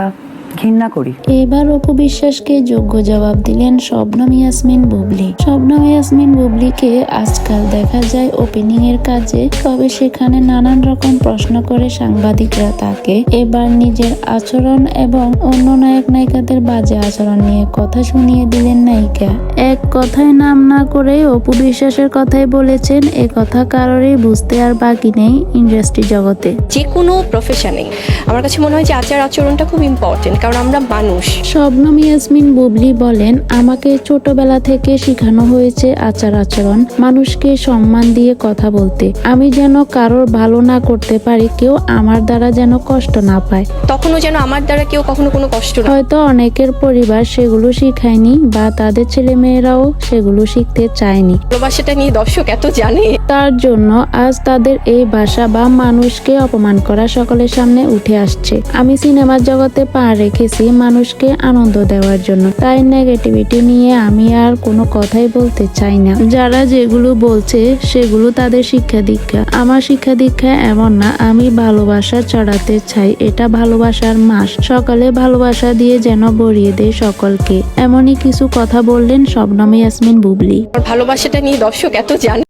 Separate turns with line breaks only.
ঘৃণা করি।
এবার অপু বিশ্বাসকে যোগ্য জবাব দিলেন শবনম ইয়াসমিন বুবলি। শবনম ইয়াসমিন বুবলিকে আজকাল দেখা যায় ওপেনিং এর কাজে, তবে সেখানে নানান রকম প্রশ্ন করে সাংবাদিকরা তাকে। এবার নিজের আচরণ এবং অন্য নায়ক নায়িকাদের বাজে আচরণ নিয়ে কথা শুনিয়ে দিলেন নায়িকা। এক কথায় নাম না করে অপু বিশ্বাসের কথাই বলেছেন, এ কথা কারোরই বুঝতে আর বাকি নেই ইন্ডাস্ট্রি জগতে।
যে কোনো প্রফেশনে আমার কাছে মনে হয় যে আচার আচরণটা খুব ইম্পর্টেন্ট, কারণ আমরা মানুষ।
শবনম ইয়াসমিন বুবলি বলেন, আমাকে ছোটবেলা থেকে শেখানো হয়েছে আচার আচরণ, মানুষকে সম্মান দিয়ে কথা বলতে। আমি যেন কারোর ভালো না করতে পারি, কেউ আমার দ্বারা যেন কষ্ট না পায়।
তখনও যেন আমার দ্বারা কেউ কখনো কোনো কষ্ট না।
হয়তো অনেকের পরিবার সেগুলো শিখায়নি বা তাদের ছেলে মেয়েরাও সেগুলো শিখতে চায়নি।
ভালোবাসাটা নিয়ে দর্শক এত জানে,
তার জন্য আজ তাদের এই ভাষা বা মানুষকে অপমান করা সকলের সামনে উঠে আসছে। আমি সিনেমার জগতে পা রেখেছি মানুষকে আনন্দ দেওয়ার জন্য, তাই নেগেটিভিটি নিয়ে আমি আর কোনো কথাই বলতে চাই না। যারা যেগুলো বলছে সেগুলো তাদের শিক্ষা দীক্ষা। আমার শিক্ষা দীক্ষা এমন না, আমি ভালোবাসা চড়াতে চাই, এটা ভালোবাসার মাস। সকালে ভালোবাসা দিয়ে যেন ভরিয়ে দেয় সকলকে, এমনই কিছু কথা বললেন শবনম ইয়াসমিন বুবলি।
ভালোবাসাটা নিয়ে দর্শক এত জানে।